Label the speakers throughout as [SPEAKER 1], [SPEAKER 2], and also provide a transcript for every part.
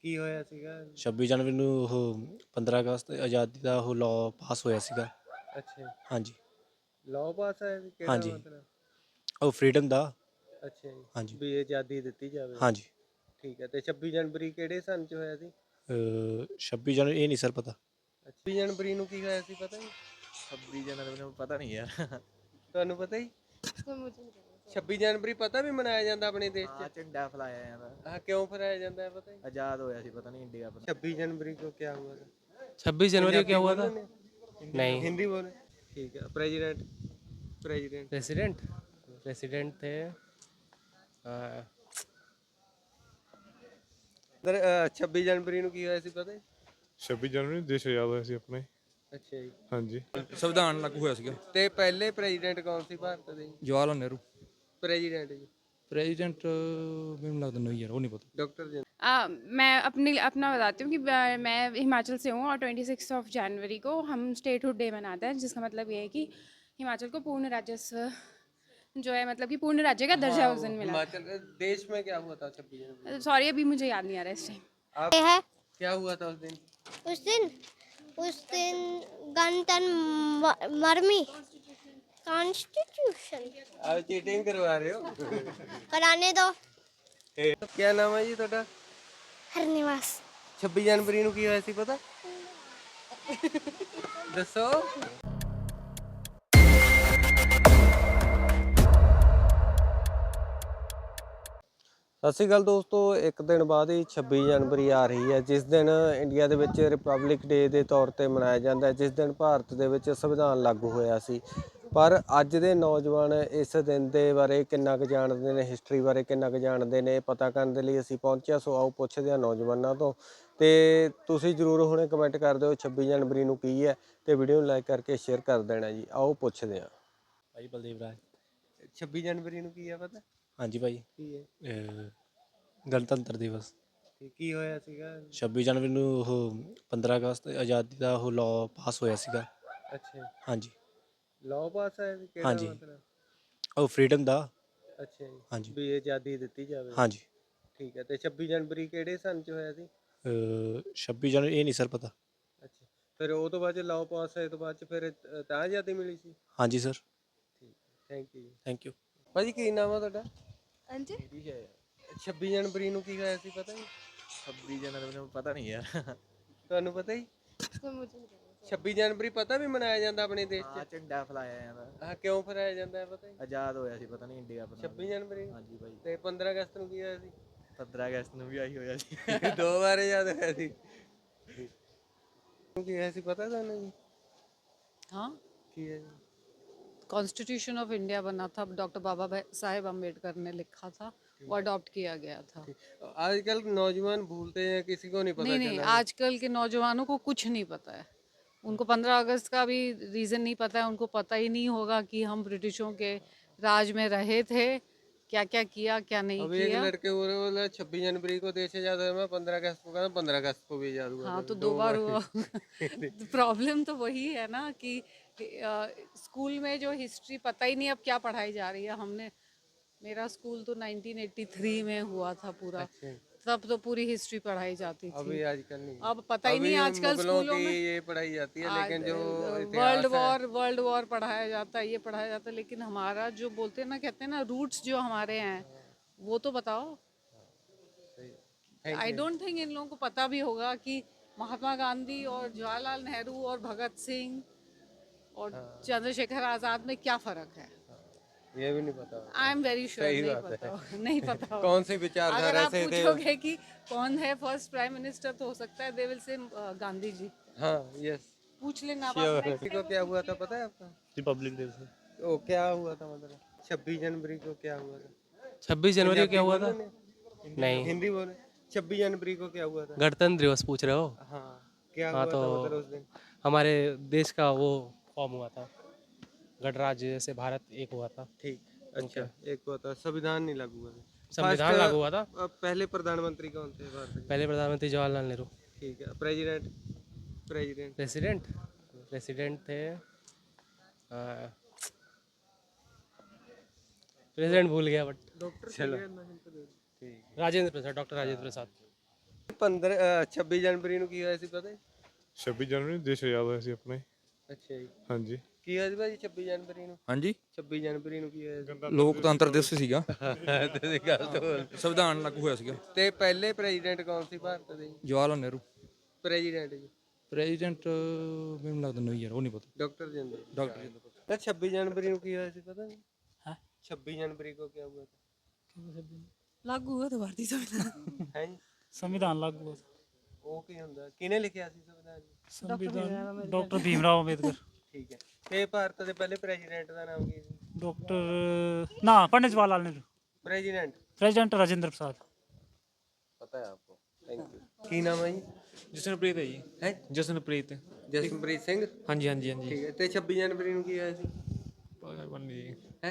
[SPEAKER 1] ਕੀ ਹੋਇਆ ਸੀਗਾ?
[SPEAKER 2] 26 ਜਨਵਰੀ ਨੂੰ ਉਹ 15 ਅਗਸਤ ਆਜ਼ਾਦੀ ਦਾ ਉਹ ਲਾਅ ਪਾਸ ਹੋਇਆ ਸੀਗਾ।
[SPEAKER 1] ਅੱਛਾ,
[SPEAKER 2] ਹਾਂਜੀ
[SPEAKER 1] ਲਾਅ ਪਾਸ ਆਇਆ ਸੀ, ਕਿਹੜਾ
[SPEAKER 2] ਹਾਂਜੀ
[SPEAKER 1] ਮਤਲਬ?
[SPEAKER 2] ਉਹ ਫਰੀडम ਦਾ।
[SPEAKER 1] ਅੱਛਾ ਜੀ,
[SPEAKER 2] ਹਾਂਜੀ
[SPEAKER 1] ਵੀ ਆਜ਼ਾਦੀ ਦਿੱਤੀ ਜਾਵੇ।
[SPEAKER 2] ਹਾਂਜੀ
[SPEAKER 1] ਠੀਕ ਹੈ, ਤੇ 26 ਜਨਵਰੀ ਕਿਹੜੇ ਸੰਨ ਚ ਹੋਇਆ ਸੀ?
[SPEAKER 2] 26 ਜਨਵਰੀ ਇਹ ਨਹੀਂ ਸਰ ਪਤਾ।
[SPEAKER 1] 26 ਜਨਵਰੀ ਨੂੰ ਕੀ ਹੋਇਆ ਸੀ, ਪਤਾ ਜੀ?
[SPEAKER 3] 26 जनवरी में पता नहीं यार।
[SPEAKER 1] ਤੁਹਾਨੂੰ ਪਤਾ ਹੀ?
[SPEAKER 4] मुझे नहीं पता।
[SPEAKER 1] 26 ਜਨਵਰੀ ਪਤਾ ਵੀ ਮਨਾਇਆ ਜਾਂਦਾ ਆਪਣੇ ਦੇਸ਼
[SPEAKER 3] हाँ
[SPEAKER 1] 'ਚ?
[SPEAKER 3] झंडा फहराया जाता।
[SPEAKER 1] ਹਾਂ, ਕਿਉਂ ਫਰਾਇਆ ਜਾਂਦਾ ਹੈ ਪਤਾ ਹੀ?
[SPEAKER 3] आजाद होया सी पता नहीं इंडिया अपना।
[SPEAKER 1] 26 जनवरी को क्या हुआ था?
[SPEAKER 5] 26 जनवरी को क्या हुआ था?
[SPEAKER 1] पंजाबी
[SPEAKER 5] नहीं।
[SPEAKER 1] हिंदी बोले। ठीक है, प्रेसिडेंट प्रेसिडेंट
[SPEAKER 5] प्रेसिडेंट प्रेसिडेंट थे
[SPEAKER 1] इधर 26 जनवरी ਨੂੰ ਕੀ ਹੋਇਆ ਸੀ ਪਤਾ ਹੈ?
[SPEAKER 6] 26 ਜਨਵਰੀ ਨੂੰ ਦੇਸ਼ ਆਜ਼ਾਦ ਹੋਇਆ ਸੀ ਆਪਣਾ ਹੀ।
[SPEAKER 1] ਅੱਛਾ ਜੀ,
[SPEAKER 6] ਹਾਂਜੀ
[SPEAKER 7] ਸੰਵਿਧਾਨ ਲਾਗੂ ਹੋਇਆ ਸੀਗਾ।
[SPEAKER 1] ਤੇ ਪਹਿਲੇ ਪ੍ਰੈਜ਼ੀਡੈਂਟ ਕੌਣ ਸੀ ਭਾਰਤ ਦੇ?
[SPEAKER 7] ਜਵਾਹਰ ਲਾਲ ਨਹਿਰੂ।
[SPEAKER 1] ਪ੍ਰੈਜ਼ੀਡੈਂਟ ਜੀ
[SPEAKER 7] प्रेसिडेंट ਮੈਨੂੰ ਲੱਗਦਾ ਨਹੀਂ ਯਾਰ, ਉਹ ਨਹੀਂ ਪਤਾ।
[SPEAKER 1] डॉक्टर जी।
[SPEAKER 4] मैं अपना बताती हूँ कि मैं हिमाचल से हूँ और 26 जनवरी को हम स्टेटहुड डे मनाते हैं, जिसका मतलब ये है कि हिमाचल को पूर्ण राजस्व जो है, मतलब कि पूर्ण राज्य का दर्जा उस दिन मिला।
[SPEAKER 1] हिमाचल देश में क्या हुआ था 26 जनवरी?
[SPEAKER 4] सॉरी, अभी मुझे याद नहीं आ रहा इस टाइम।
[SPEAKER 1] आप
[SPEAKER 8] है
[SPEAKER 1] क्या हुआ था उस दिन?
[SPEAKER 8] उस दिन गणतंत्र मरमी कॉन्स्टिट्यूशन
[SPEAKER 1] आप चीटिंग करवा रहे हो?
[SPEAKER 8] कराने दो।
[SPEAKER 1] क्या नाम है जी ਤੁਹਾਡਾ?
[SPEAKER 8] हरनिवास
[SPEAKER 1] 26 ਜਨਵਰੀ ਨੂੰ ਕੀ ਹੋਇਆ ਸੀ ਪਤਾ? ਦੱਸੋ। ਸਤਿ ਸ਼੍ਰੀ ਅਕਾਲ ਦੋਸਤੋ, ਇੱਕ ਦਿਨ ਬਾਅਦ ਹੀ 26 ਜਨਵਰੀ ਆ ਰਹੀ ਹੈ, ਜਿਸ ਦਿਨ ਇੰਡੀਆ ਦੇ ਵਿੱਚ ਰਿਪਬਲਿਕ ਡੇ ਦੇ ਤੌਰ ਤੇ ਮਨਾਇਆ ਜਾਂਦਾ ਹੈ, ਜਿਸ ਦਿਨ ਭਾਰਤ ਦੇ ਵਿੱਚ ਸੰਵਿਧਾਨ ਲਾਗੂ ਹੋਇਆ ਸੀ। ਪਰ ਅੱਜ ਦੇ ਨੌਜਵਾਨ ਇਸ ਦਿਨ ਦੇ ਬਾਰੇ ਕਿੰਨਾ ਕੁ ਜਾਣਦੇ ਨੇ, ਹਿਸਟਰੀ ਬਾਰੇ ਕਿੰਨਾ ਕੁ ਜਾਣਦੇ ਨੇ, ਪਤਾ ਕਰਨ ਦੇ ਲਈ ਅਸੀਂ ਪਹੁੰਚਿਆ। ਸੋ ਆਓ ਪੁੱਛਦੇ ਹਾਂ ਨੌਜਵਾਨਾਂ ਤੋਂ, ਤੇ ਤੁਸੀਂ ਜ਼ਰੂਰ ਹੁਣੇ ਕਮੈਂਟ ਕਰ ਦਿਓ 26 ਜਨਵਰੀ ਨੂੰ ਕੀ ਹੈ, ਤੇ ਵੀਡੀਓ ਨੂੰ ਲਾਈਕ ਕਰਕੇ ਸ਼ੇਅਰ ਕਰ ਦੇਣਾ ਜੀ। ਆਓ ਪੁੱਛਦੇ ਹਾਂ।
[SPEAKER 2] ਭਾਈ ਬਲਦੇਵ ਰਾਜ।
[SPEAKER 1] 26 ਜਨਵਰੀ ਨੂੰ ਕੀ ਹੈ ਪਤਾ?
[SPEAKER 2] ਹਾਂਜੀ ਭਾਈ,
[SPEAKER 1] ਕੀ ਹੈ?
[SPEAKER 2] ਗਣਤੰਤਰ ਦਿਵਸ।
[SPEAKER 1] ਤੇ ਕੀ ਹੋਇਆ ਸੀਗਾ?
[SPEAKER 2] 26 ਜਨਵਰੀ ਨੂੰ ਉਹ 15 ਅਗਸਤ ਆਜ਼ਾਦੀ ਦਾ ਉਹ ਲਾਅ ਪਾਸ ਹੋਇਆ ਸੀਗਾ।
[SPEAKER 1] ਅੱਛਾ,
[SPEAKER 2] ਹਾਂਜੀ
[SPEAKER 1] ਲਾਅ ਪਾਸ ਆਇਆ ਸੀ, ਕਿਹੜਾ
[SPEAKER 2] ਹਾਂਜੀ
[SPEAKER 1] ਮਤਲਬ?
[SPEAKER 2] ਉਹ ਫਰੀडम ਦਾ।
[SPEAKER 1] ਅੱਛਾ ਜੀ,
[SPEAKER 2] ਹਾਂਜੀ
[SPEAKER 1] ਵੀ ਆਜ਼ਾਦੀ ਦਿੱਤੀ ਜਾਵੇ।
[SPEAKER 2] ਹਾਂਜੀ
[SPEAKER 1] ਠੀਕ ਹੈ, ਤੇ 26 ਜਨਵਰੀ ਕਿਹੜੇ ਸੰਨ ਚ ਹੋਇਆ ਸੀ?
[SPEAKER 2] 26 ਜਨਵਰੀ ਇਹ ਨਹੀਂ ਸਰ ਪਤਾ।
[SPEAKER 1] ਅੱਛਾ, ਫਿਰ ਉਹ ਤੋਂ ਬਾਅਦ ਚ ਲਾਅ ਪਾਸ ਹੋਏ ਤੋਂ ਬਾਅਦ ਚ ਫਿਰ ਤਾਂ ਆਜ਼ਾਦੀ ਮਿਲੀ ਸੀ?
[SPEAKER 2] ਹਾਂਜੀ ਸਰ,
[SPEAKER 1] ਠੀਕ, ਥੈਂਕ ਯੂ ਜੀ।
[SPEAKER 2] Thank you.
[SPEAKER 1] ਭਾਜੀ ਕੀ ਨਾਮ ਆ ਤੁਹਾਡਾ?
[SPEAKER 4] अंजी
[SPEAKER 1] 26 ਜਨਵਰੀ ਨੂੰ ਕੀ ਹੋਇਆ ਸੀ ਪਤਾ ਜੀ?
[SPEAKER 3] 26 जनवरी में पता नहीं यार।
[SPEAKER 1] ਤੁਹਾਨੂੰ ਪਤਾ ਹੀ?
[SPEAKER 4] मुझे नहीं पता।
[SPEAKER 1] 26 ਜਨਵਰੀ ਪਤਾ ਵੀ ਮਨਾਇਆ ਜਾਂਦਾ ਆਪਣੇ ਦੇਸ਼
[SPEAKER 3] हाँ
[SPEAKER 1] 'ਚ?
[SPEAKER 3] झंडा फहराया जाता।
[SPEAKER 1] ਹਾਂ, ਕਿਉਂ ਫਰਾਇਆ ਜਾਂਦਾ ਹੈ ਪਤਾ ਹੀ?
[SPEAKER 3] आजाद होया सी पता नहीं इंडिया अपना।
[SPEAKER 1] 26 ਜਨਵਰੀ ਨੂੰ?
[SPEAKER 3] हाँ जी भाई।
[SPEAKER 1] ਤੇ 15 ਅਗਸਤ ਨੂੰ ਕੀ ਹੋਇਆ ਸੀ?
[SPEAKER 3] 15 अगस्त ਨੂੰ ਵੀ ਆਹੀ ਹੋਇਆ ਸੀ।
[SPEAKER 1] ਦੋ ਵਾਰ ਯਾਦ ਹੋਇਆ ਸੀ। ਕੀ ਹੋਇਆ ਸੀ ਪਤਾ ਤੁਹਾਨੂੰ ਜੀ?
[SPEAKER 9] हाँ,
[SPEAKER 1] ਕੀ ਹੈ ਜੀ?
[SPEAKER 9] कॉन्स्टिट्यूशन ऑफ इंडिया बना था, डॉक्टर बाबा साहेब अम्बेडकर ने लिखा था, वो अडॉप्ट किया गया था।
[SPEAKER 1] आजकल नौजवान भूलते हैं, किसी को नहीं पता
[SPEAKER 9] नहीं नहीं,
[SPEAKER 1] चला।
[SPEAKER 9] आजकल के नौजवानों को कुछ नहीं पता है। उनको 15 अगस्त का भी रीज़न नहीं पता है। उनको पता ही नहीं होगा कि हम ब्रिटिशों के राज में रहे थे, क्या क्या किया क्या नहीं
[SPEAKER 1] अभी एक
[SPEAKER 9] किया।
[SPEAKER 1] लड़के बोला 26 जनवरी को देश आजाद हुआ, मैं 15 अगस्त को कहता 15 अगस्त को भी आजाद हुआ।
[SPEAKER 9] हाँ, तो दो बार हुआ। प्रॉब्लम तो वही है ना कि स्कूल में जो हिस्ट्री पता ही नहीं अब क्या पढ़ाई जा रही है। मेरा स्कूल तो 1983 में हुआ था पूरा, तब तो पूरी हिस्ट्री पढ़ाई जाती थी।
[SPEAKER 1] अभी आजकल नहीं,
[SPEAKER 9] अब पता ही नहीं आजकल
[SPEAKER 1] मुगलों
[SPEAKER 9] स्कूलों
[SPEAKER 1] की
[SPEAKER 9] में
[SPEAKER 1] ये पढ़ाई जाती है, लेकिन जो
[SPEAKER 9] वर्ल्ड वॉर पढ़ाया जाता है, ये पढ़ाया जाता है, लेकिन हमारा जो बोलते हैं ना, कहते हैं ना रूट्स जो हमारे हैं, वो तो बताओ। आई डोंट थिंक इन लोगों को पता भी होगा कि महात्मा गांधी और जवाहरलाल नेहरू और भगत सिंह और चंद्रशेखर आजाद में क्या फर्क है।
[SPEAKER 1] ये भी नहीं पता।
[SPEAKER 9] आई एम वेरी श्योर नहीं पता नहीं पता होगा।
[SPEAKER 1] कौन सी
[SPEAKER 9] अगर
[SPEAKER 1] विचारधारा
[SPEAKER 9] आप
[SPEAKER 1] से थे?
[SPEAKER 9] पूछोगे कि कौन है फर्स्ट प्राइम मिनिस्टर, तो हो सकता है दे विल से गांधी जी।
[SPEAKER 1] हाँ, यस।
[SPEAKER 9] पूछ लेना आप
[SPEAKER 1] जनवरी को क्या हुआ था पता है आपका?
[SPEAKER 2] रिपब्लिक डे से
[SPEAKER 1] ओ क्या हुआ था मतलब? 26 जनवरी को क्या हुआ था?
[SPEAKER 5] 26 जनवरी को क्या हुआ था?
[SPEAKER 1] पंजाबी
[SPEAKER 5] नहीं।
[SPEAKER 1] हिंदी बोले। 26 जनवरी को क्या हुआ था?
[SPEAKER 5] गणतंत्र दिवस पूछ रहे हो?
[SPEAKER 1] हाँ, क्या
[SPEAKER 5] हाँ,
[SPEAKER 1] हुआ
[SPEAKER 5] तो
[SPEAKER 1] था मतलब उस दिन?
[SPEAKER 5] हमारे देश का वो फॉर्म हुआ था, गणराज्य से भारत एक हुआ था।
[SPEAKER 1] ठीक, अच्छा, एक हुआ था, संविधान नहीं लागू हुआ था।
[SPEAKER 5] संविधान
[SPEAKER 1] First,
[SPEAKER 5] लागू हुआ था।
[SPEAKER 1] पहले प्रधानमंत्री कौन थे भारत के?
[SPEAKER 5] पहले प्रधानमंत्री जवाहरलाल नेहरू।
[SPEAKER 1] ठीक है, प्रेसिडेंट प्रेसिडेंट
[SPEAKER 5] प्रेसिडेंट प्रेसिडेंट थे प्रेसिडेंट भूल गया बट
[SPEAKER 1] डॉक्टर
[SPEAKER 5] चलो।
[SPEAKER 1] ठीक।
[SPEAKER 5] राजेंद्र प्रसाद, डॉक्टर राजेंद्र प्रसाद।
[SPEAKER 1] 15 26 ਜਨਵਰੀ ਨੂੰ ਕੀ ਹੋਇਆ ਸੀ ਪਤਾ ਹੈ?
[SPEAKER 6] 26 ਜਨਵਰੀ ਨੂੰ ਦੇਸ਼ ਆਜ਼ਾਦ ਹੋਇਆ ਸੀ ਆਪਣਾ ਜੀ।
[SPEAKER 1] ਅੱਛਾ ਜੀ,
[SPEAKER 6] ਹਾਂਜੀ।
[SPEAKER 1] ਕੀ ਹੋਇਆ ਸੀ ਭਾਜੀ 26 ਜਨਵਰੀ ਨੂੰ?
[SPEAKER 7] ਹਾਂਜੀ
[SPEAKER 1] 26 ਜਨਵਰੀ ਨੂੰ ਕੀ ਹੋਇਆ ਸੀ?
[SPEAKER 7] ਲੋਕਤੰਤਰ ਦਿਵਸ ਸੀਗਾ,
[SPEAKER 1] ਤੁਸੀਂ ਗੱਲ ਤੋਂ
[SPEAKER 7] ਸੰਵਿਧਾਨ ਲਾਗੂ ਹੋਇਆ ਸੀਗਾ।
[SPEAKER 1] ਤੇ ਪਹਿਲੇ ਪ੍ਰੈਜ਼ੀਡੈਂਟ ਕੌਣ ਸੀ ਭਾਰਤ ਦੇ?
[SPEAKER 7] ਜਵਾਹਰ ਲਾਲ ਨਹਿਰੂ।
[SPEAKER 1] ਪ੍ਰੈਜ਼ੀਡੈਂਟ ਜੀ
[SPEAKER 7] ਪ੍ਰੈਜ਼ੀਡੈਂਟ ਮੈਨੂੰ ਲੱਗਦਾ ਨਹੀਂ ਯਾਰ, ਉਹ ਨਹੀਂ ਪਤਾ।
[SPEAKER 1] डॉक्टर जिंदल।
[SPEAKER 7] ਡਾਕਟਰ ਜੀ ਦਾ
[SPEAKER 1] ना 26 जनवरी को किया है पता नहीं? हाँ 26 जनवरी को क्या हुआ था?
[SPEAKER 9] लागू हुआ तो भारतीय संविधान
[SPEAKER 1] है जी
[SPEAKER 5] संविधान लागू हुआ
[SPEAKER 1] ਉਹ ਕੀ ਹੁੰਦਾ ਕਿਹਨੇ ਲਿਖਿਆ ਸੀ ਸੰਵਿਧਾਨ ਜੀ?
[SPEAKER 5] संविधान डॉक्टर भीमराव अम्बेडकर
[SPEAKER 1] ਠੀਕ ਹੈ ਤੇ ਭਾਰਤ ਦੇ ਪਹਿਲੇ ਪ੍ਰੈਜ਼ੀਡੈਂਟ ਦਾ ਨਾਮ ਕੀ ਸੀ?
[SPEAKER 5] डॉक्टर ना पंडित जवाहरलाल नेहरू
[SPEAKER 1] ਪ੍ਰੈਜ਼ੀਡੈਂਟ
[SPEAKER 5] प्रेसिडेंट राजेंद्र प्रसाद
[SPEAKER 1] ਪਤਾ ਹੈ ਆਪਕੋ ਥੈਂਕ ਯੂ ਕੀ ਨਾਮ ਹੈ ਜੀ?
[SPEAKER 2] ਜਸਨਪ੍ਰੀਤ ਹੈ ਜੀ।
[SPEAKER 1] ਹੈ
[SPEAKER 2] ਜਸਨਪ੍ਰੀਤ।
[SPEAKER 1] ਜਸਨਪ੍ਰੀਤ ਸਿੰਘ।
[SPEAKER 2] ਹਾਂਜੀ ਹਾਂਜੀ ਹਾਂਜੀ।
[SPEAKER 1] ਠੀਕ ਹੈ ਤੇ 26 ਜਨਵਰੀ ਨੂੰ ਕੀ ਹੋਇਆ ਸੀ? है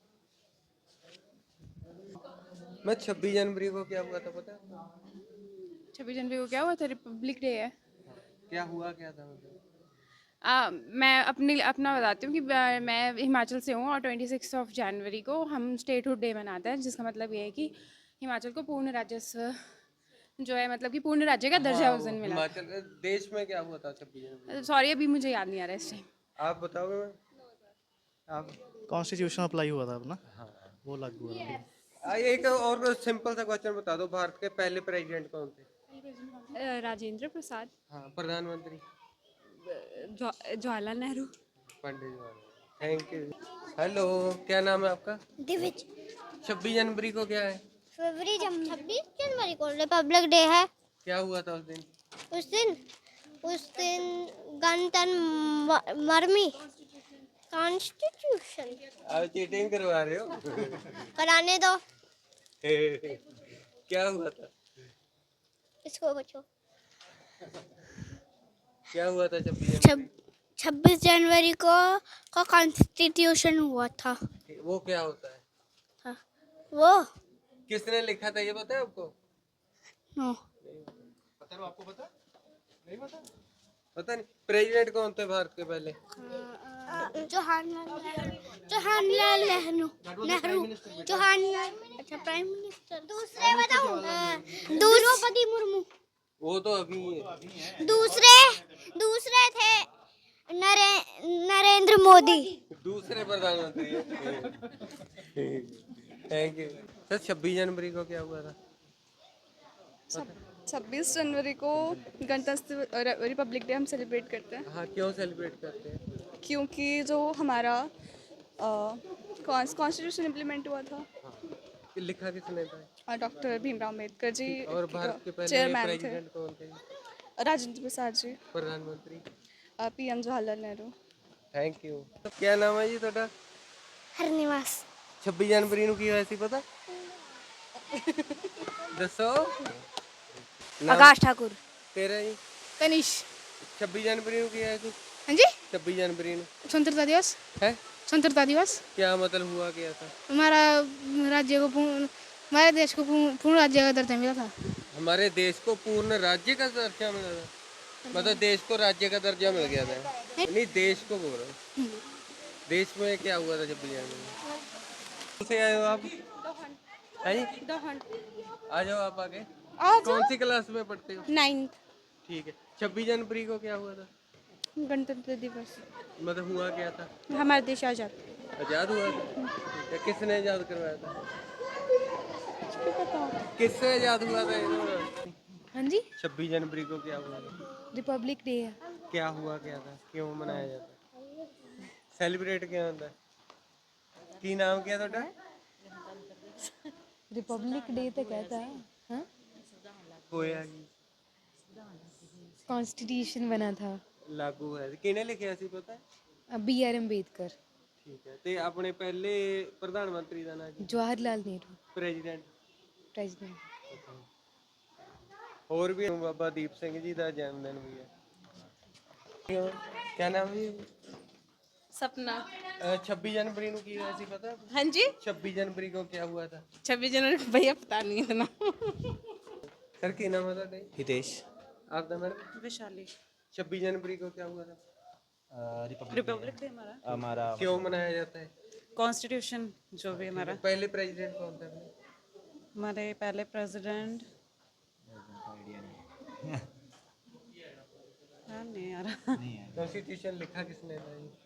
[SPEAKER 1] मैं 26 जनवरी को क्या हुआ था पता है?
[SPEAKER 4] 26 जनवरी को क्या हुआ था? रिपब्लिक डे है।
[SPEAKER 1] क्या हुआ क्या था मतलब?
[SPEAKER 4] मैं अपना बताती हूँ कि मैं हिमाचल से हूँ और 26 जनवरी को हम स्टेटहुड डे मनाते हैं, जिसका मतलब ये है कि हिमाचल को पूर्ण राजस्व जो है, मतलब कि पूर्ण राज्य का दर्जा उस दिन मिला।
[SPEAKER 1] हिमाचल देश में क्या हुआ था 26 जनवरी?
[SPEAKER 4] सॉरी अभी मुझे याद नहीं आ रहा है इस टाइम।
[SPEAKER 1] आप बताओगे मैम? आप
[SPEAKER 10] कॉन्स्टिट्यूशन अप्लाई हुआ था अपना, वो लागू हुआ था।
[SPEAKER 1] एक और सिंपल सा क्वेश्चन बता दो, भारत के पहले प्रेसिडेंट कौन थे?
[SPEAKER 4] राजेंद्र प्रसाद।
[SPEAKER 1] हाँ प्रधानमंत्री?
[SPEAKER 4] Jawaharlal Nehru.
[SPEAKER 1] Pandit Jawaharlal. Thank you. Hello, क्या नाम है आपका?
[SPEAKER 8] दिविज।
[SPEAKER 1] 26 जनवरी को क्या है?
[SPEAKER 8] फरवरी 26 जनवरी को रिपब्लिक डे है।
[SPEAKER 1] क्या हुआ था उस दिन?
[SPEAKER 8] उस दिन गणतंत्र मरमी कॉन्स्टिट्यूशन
[SPEAKER 1] आप चीटिंग करवा रहे हो?
[SPEAKER 8] कराने दो
[SPEAKER 1] क्या हुआ था?
[SPEAKER 8] इसको बचो।
[SPEAKER 1] क्या हुआ था 26
[SPEAKER 8] जनवरी को कॉन्स्टिट्यूशन हुआ था।
[SPEAKER 1] वो क्या होता है?
[SPEAKER 8] हाँ, वो
[SPEAKER 1] किसने लिखा था ये पता है आपको?
[SPEAKER 8] नो
[SPEAKER 1] पता है आपको? पता नहीं? पता नहीं। प्रेसिडेंट कौन थे भारत के पहले?
[SPEAKER 8] जवाहरलाल नेहरू। अच्छा प्राइम मिनिस्टर। दूसरे बताओ। द्रौपदी मुर्मू।
[SPEAKER 1] वो तो अभी है।
[SPEAKER 8] दूसरे थे नरेंद्र मोदी।
[SPEAKER 1] दूसरे प्रधानमंत्री है। Thank you sir. 26 जनवरी को क्या हुआ था?
[SPEAKER 4] 26 जनवरी को गणतंत्र रिपब्लिक डे हम सेलिब्रेट करते हैं,
[SPEAKER 1] हाँ क्यों सेलिब्रेट करते हैं?
[SPEAKER 4] क्योंकि जो हमारा कॉन्स्टिट्यूशन इम्प्लीमेंट हुआ था,
[SPEAKER 1] लिखा किसने था?
[SPEAKER 4] डॉक्टर भीमराव अम्बेडकर जी
[SPEAKER 1] और भारत के पहले
[SPEAKER 4] चेयरमैन थे।
[SPEAKER 1] प्रेसिडेंट कौन थे?
[SPEAKER 4] राजेंद्र प्रसाद जी।
[SPEAKER 1] प्रधानमंत्री?
[SPEAKER 4] PM Jawaharlal Nehru.
[SPEAKER 1] Thank you. क्या नाम है जी ਤੁਹਾਡਾ?
[SPEAKER 8] हरनिवास।
[SPEAKER 1] 26 जनवरी ਨੂੰ ਕੀ ਹੋਇਆ ਸੀ ਪਤਾ? ਦੱਸੋ।
[SPEAKER 8] आकाश ठाकुर।
[SPEAKER 1] तेरा जी?
[SPEAKER 4] कनिष।
[SPEAKER 1] 26 जनवरी ਨੂੰ ਕੀ ਹੋਇਆ ਸੀ?
[SPEAKER 4] हाँ जी।
[SPEAKER 1] 26 जनवरी ਨੂੰ
[SPEAKER 4] स्वतंत्रता दिवस
[SPEAKER 1] है?
[SPEAKER 4] स्वतंत्रता दिवस
[SPEAKER 1] क्या मतलब हुआ क्या था?
[SPEAKER 4] हमारा राज्य को हमारे देश को पूर्ण राज्य का दर्जा मिला था।
[SPEAKER 1] हमारे देश को पूर्ण राज्य का दर्जा मिला था? मतलब देश को राज्य का दर्जा मिल गया था? नहीं देश को बोल रहा हूँ। देश में क्या हुआ था 26 जनवरी से? आए हो आप? है जी? आ जाओ आप आगे। कौन सी क्लास में पढ़ते हो?
[SPEAKER 4] 9th।
[SPEAKER 1] ठीक है। 26 जनवरी को क्या हुआ था?
[SPEAKER 4] गणतंत्र दिवस।
[SPEAKER 1] मतलब हुआ क्या था?
[SPEAKER 4] हमारा देश आजाद।
[SPEAKER 1] आजाद हुआ था? ठीक है। किसने आजाद करवाया था? किससे आजाद हुआ था ये?
[SPEAKER 4] हाँ जी।
[SPEAKER 1] 26 जनवरी को क्या हुआ था?
[SPEAKER 4] रिपब्लिक डे है।
[SPEAKER 1] क्या हुआ क्या था? क्यों मनाया जाता है? सेलिब्रेट क्यों होता है? की नाम क्या ਤੁਹਾਡਾ?
[SPEAKER 4] रिपब्लिक डे तो कहता है हाँ?
[SPEAKER 1] ਹੋਇਆ ਕੀ?
[SPEAKER 4] कॉन्स्टिट्यूशन बना था।
[SPEAKER 1] ਲਾਗੂ ਹੋਇਆ ਸੀ। ਕਿਹਨੇ ਲਿਖਿਆ ਸੀ ਪਤਾ?
[SPEAKER 4] BR अम्बेडकर।
[SPEAKER 1] ਠੀਕ ਹੈ। ਤੇ ਆਪਣੇ ਪਹਿਲੇ ਪ੍ਰਧਾਨ ਮੰਤਰੀ ਦਾ ਨਾਮ ਕੀ?
[SPEAKER 4] जवाहरलाल नेहरू
[SPEAKER 1] ਪ੍ਰੈਜ਼ੀਡੈਂਟ?
[SPEAKER 4] प्रेसिडेंट।
[SPEAKER 1] ਹੋਰ ਵੀ ਬਾਬਾ ਦੀਪ ਸਿੰਘ ਜੀ ਦਾ ਜਨਮ ਦਿਨ ਵੀ ਹੈ। क्या नाम है?
[SPEAKER 9] सपना।
[SPEAKER 1] 26 जनवरी ਨੂੰ ਕੀ ਹੋਇਆ ਸੀ ਪਤਾ?
[SPEAKER 9] हाँ जी।
[SPEAKER 1] 26 जनवरी को क्या हुआ था?
[SPEAKER 9] 26 जनवरी को भैया पता नहीं इतना।
[SPEAKER 1] सर ਕੀ ਨਾਮ ਹੈ ਤੁਹਾਡਾ?
[SPEAKER 2] हितेश।
[SPEAKER 1] आपका मैडम?
[SPEAKER 9] वैशाली।
[SPEAKER 1] 26 जनवरी को क्या हुआ था?
[SPEAKER 9] रिपब्लिक डे हमारा
[SPEAKER 1] क्यों मनाया जाता है?
[SPEAKER 9] कॉन्स्टिट्यूशन जो भी हमारा।
[SPEAKER 1] पहले प्रेसिडेंट कौन था?
[SPEAKER 9] हमारे पहले प्रेसिडेंट ध्यान नहीं आ रहा।
[SPEAKER 1] कॉन्स्टिट्यूशन लिखा किसने था जी?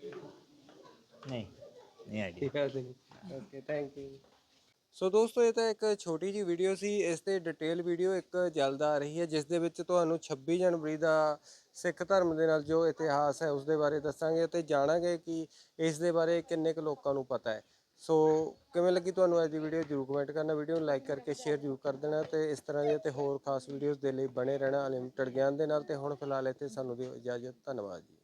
[SPEAKER 3] नहीं आइडिया।
[SPEAKER 1] याद नहीं। Okay thank you. ਸੋ ਦੋਸਤੋ ਇਹ ਤਾਂ ਇੱਕ ਛੋਟੀ ਜੀ ਵੀਡੀਓ ਸੀ। ਇਸ ਤੇ ਡਿਟੇਲ ਵੀਡੀਓ ਇੱਕ ਜਲਦ ਆ ਰਹੀ ਹੈ ਜਿਸ ਦੇ ਵਿੱਚ ਤੁਹਾਨੂੰ 26 ਜਨਵਰੀ ਦਾ ਸਿੱਖ ਧਰਮ ਦੇ ਨਾਲ ਜੋ ਇਤਿਹਾਸ ਹੈ ਉਸ ਦੇ ਬਾਰੇ ਦੱਸਾਂਗੇ ਅਤੇ ਜਾਣਾਂਗੇ ਕਿ ਇਸ ਦੇ ਬਾਰੇ ਕਿੰਨੇ ਕੁ ਲੋਕਾਂ ਨੂੰ ਪਤਾ ਹੈ। ਸੋ ਕਿਵੇਂ ਲੱਗੀ ਤੁਹਾਨੂੰ ਅੱਜ ਦੀ ਵੀਡੀਓ ਜ਼ਰੂਰ ਕਮੈਂਟ ਕਰਨਾ, ਵੀਡੀਓ ਨੂੰ ਲਾਈਕ ਕਰਕੇ ਸ਼ੇਅਰ ਜ਼ਰੂਰ ਕਰ ਦੇਣਾ ਤੇ ਇਸ ਤਰ੍ਹਾਂ ਦੀਆਂ ਤੇ ਹੋਰ ਖਾਸ ਵੀਡੀਓਜ਼ ਦੇ ਲਈ ਬਣੇ ਰਹਿਣਾ ਅਨਲਿਮਟਿਡ ਗਿਆਨ ਦੇ ਨਾਲ। ਤੇ ਹੁਣ ਫਿਲਹਾਲ ਇੱਥੇ ਸਾਨੂੰ ਦਿਓ ਇਜਾਜ਼ਤ। ਧੰਨਵਾਦ ਜੀ।